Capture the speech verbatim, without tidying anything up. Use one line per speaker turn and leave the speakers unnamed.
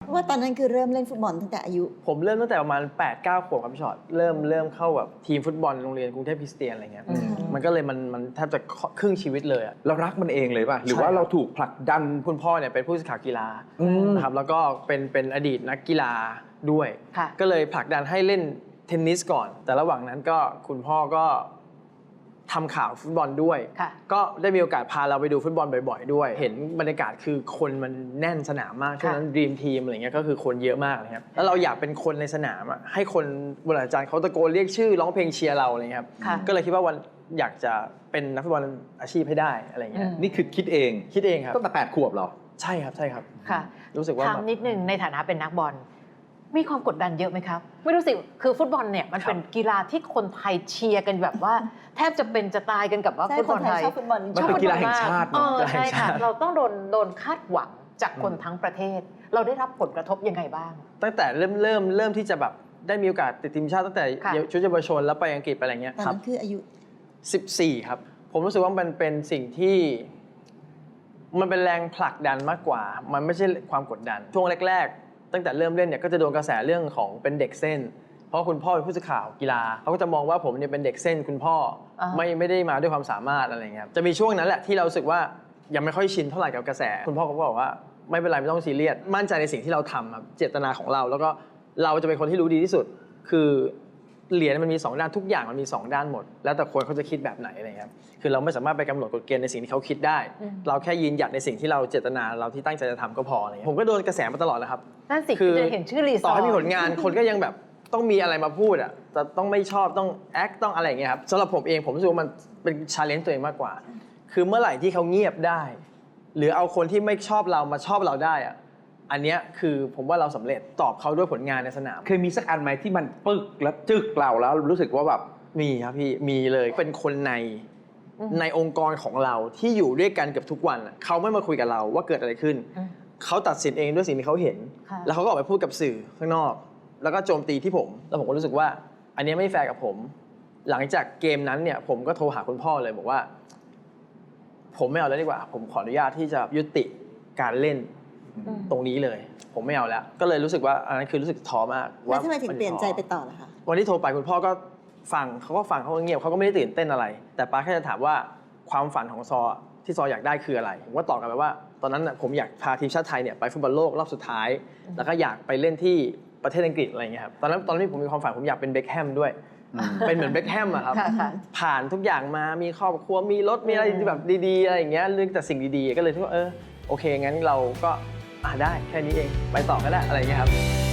ว่าตอนนั้นคือเริ่มเล่นฟุตบอลตั้งแต่อายุ
ผมเริ่มตั้งแต่ประมาณ แปดเก้า ขวบครับพี่ชอตเริ่มเริ่มเข้าแบบทีมฟุตบอลโรงเรียนกรุงเทพคริสเตียนอะไรเงี้ยมันก็เลยมันมันแทบจะครึ่งชีวิตเลยอะ
เรารักมันเองเลยป่ะหรือว่าเราถูกผลักดัน
คุณพ่อเนี่ยเป็นผู้สื่อข่าวกีฬานะครับแล้วก็เป็นเป็นอดีตนักกีฬาด้วยก็เลยผลักดันให้เล่นเทนนิสก่อนแต่ระหว่างนั้นก็คุณพ่อก็ทำข่าวฟุตบอลด้วยก็ได้มีโอกาสพาเราไปดูฟุตบอลบ่อยๆด้วยเห็นบรรยากาศคือคนมันแน่นสนามมากช่วงนั้นดรีมทีมอะไรเงี้ยก็คือคนเยอะมากเลยครับแล้วเราอยากเป็นคนในสนามอ่ะให้คนบนอาจารย์เขาตะโกนเรียกชื่อร้องเพลงเชียร์เราอะไรเงี้ยครับก็เลยคิดว่าวันอยากจะเป็นนักฟุตบอลอาชีพให้ได้อะไรเงี้ย
นี่คือคิดเอง
คิดเองครับ
ตั้งแต่แปดขวบเหรอ
ใช่ครับใช่ครับ
ค่ะ
รู้สึกว่า
ถามนิดนึงในฐานะเป็นนักบอลมีความกดดันเยอะไหมครับไม่รู้สิคือฟุตบอลเนี่ยมันเป็นกีฬาที่คนไทยเชียร์กันแบบว่าแทบจะเป็นจะตายกันกับว่าฟุตบอลไทย
ชอบฟุตบอล
มันเป็นกีฬาแห่งชาติ
ใช่ค่ะเราต้องโดนโดนคาดหวังจากคนทั้งประเทศเราได้รับผลกระทบยังไงบ้าง
ตั้งแต่เริ่มเริ่มเริ่มที่จะแบบได้มีโอกาสติดทีมชาติตั้งแต่ชุดเยาวชนแล้วไปอังกฤษไปอะไรเงี้ย
ครับคืออายุ
สิบสี่ครับผมรู้สึกว่ามันเป็นสิ่งที่มันเป็นแรงผลักดันมากกว่ามันไม่ใช่ความกดดันช่วงแรกๆตั้งแต่เริ่มเล่นเนี่ยก็จะโดนกระแสเรื่องของเป็นเด็กเส้นเพราะคุณพ่อเป็นผู้สื่อข่าวกีฬาเขาก็จะมองว่าผมเนี่ยเป็นเด็กเส้นคุณพ่อไม่ไม่ได้มาด้วยความสามารถอะไรเงี้ยจะมีช่วงนั้นแหละที่เรารู้สึกว่ายังไม่ค่อยชินเท่าไหร่กับกระแสคุณพ่อเขาก็บอกว่าไม่เป็นไรไม่ต้องซีเรียสมั่นใจในสิ่งที่เราทำครับเจตนาของเราแล้วก็เราจะเป็นคนที่รู้ดีที่สุดคือเหรียญมันมีสองด้านทุกอย่างมันมีสองด้านหมดแล้วแต่คนเขาจะคิดแบบไหนอะไรเงี้ยคือเราไม่สามารถไปกำหนดกฎเกณฑ์ในสิ่งที่เขาคิดได้เราแค่ยืนหยัดในสิ่งที่เราเจตนาเราที่ตั้งใจจะทำก็พออะไรเงี้ยผมก็โดนกระแสมาตลอดแล้วครับ
นั่นสิคือจะเห็นชื่อรีซอร์
ต่อให้มีผลงานคนก็ยังแบบต้องมีอะไรมาพูดอ่ะจะต้องไม่ชอบต้องแอคต้องอะไรอย่างเงี้ยครับสำหรับผมเองผมรู้สึกว่ามันเป็นชาเลนจ์ตัวเองมากกว่าคือเมื่อไหร่ที่เขาเงียบได้หรือเอาคนที่ไม่ชอบเรามาชอบเราได้อ่ะอันนี้คือผมว่าเราสำเร็จตอบเขาด้วยผลงานในสนาม
เคยมีสักอันไหมที่มันปึกแล้วจึกเราแล้วรู้สึกว่าแบบ
มีครับพี่มีเลยเป็นคนในในองค์กรของเราที่อยู่ด้วยกันเกือบทุกวันเขาไม่มาคุยกับเราว่าเกิดอะไรขึ้นเขาตัดสินเองด้วยสิ่งที่เขาเห็นแล้วเขาก็ออกไปพูดกับสื่อข้างนอกแล้วก็โจมตีที่ผมแล้วผมก็รู้สึกว่าอันนี้ไม่แฟร์กับผมหลังจากเกมนั้นเนี่ยผมก็โทรหาคุณพ่อเลยบอกว่าผมไม่เอาแล้วดีกว่าผมขออนุญาตที่จะยุติการเล่นตรงนี้เลยผมไม่เอาแล้วก็เลยรู้สึกว่าอันนั้นคือรู้สึกท้อมาก
ว่าทำไมถึงเปลี่ยนใจไปต่อล่ะคะ
วันที่โทรไปคุณพ่อก็ฟังเขาก็ฟังเขาก็เงียบเขาก็ไม่ได้ตื่นเต้นอะไรแต่ป้าแค่จะถามว่าความฝันของซอที่ซออยากได้คืออะไรผมก็ตอบกลับไปว่าตอนนั้นผมอยากพาทีมชาติไทยเนี่ยไปฟุตบอลโลกรอบสุดท้ายแล้วก็อยากไปเล่นที่ประเทศอังกฤษอะไรเงี้ยครับตอนนั้นตอนนั้นผมมีความฝันผมอยากเป็นเบ็คแฮมด้วยเป็นเหมือนเบ็คแฮมอะครับผ่านทุกอย่างมามีครอบครัวมีรถมีอะไรแบบดีๆอะไรอย่างเงี้ยเรื่องแต่สิ่งดีๆก็เลยคิดว่าเออโอเคงั้นเราก็อ่าได้แค่นี้เองไปต่อก็ได้อะไรเงี้ยครับ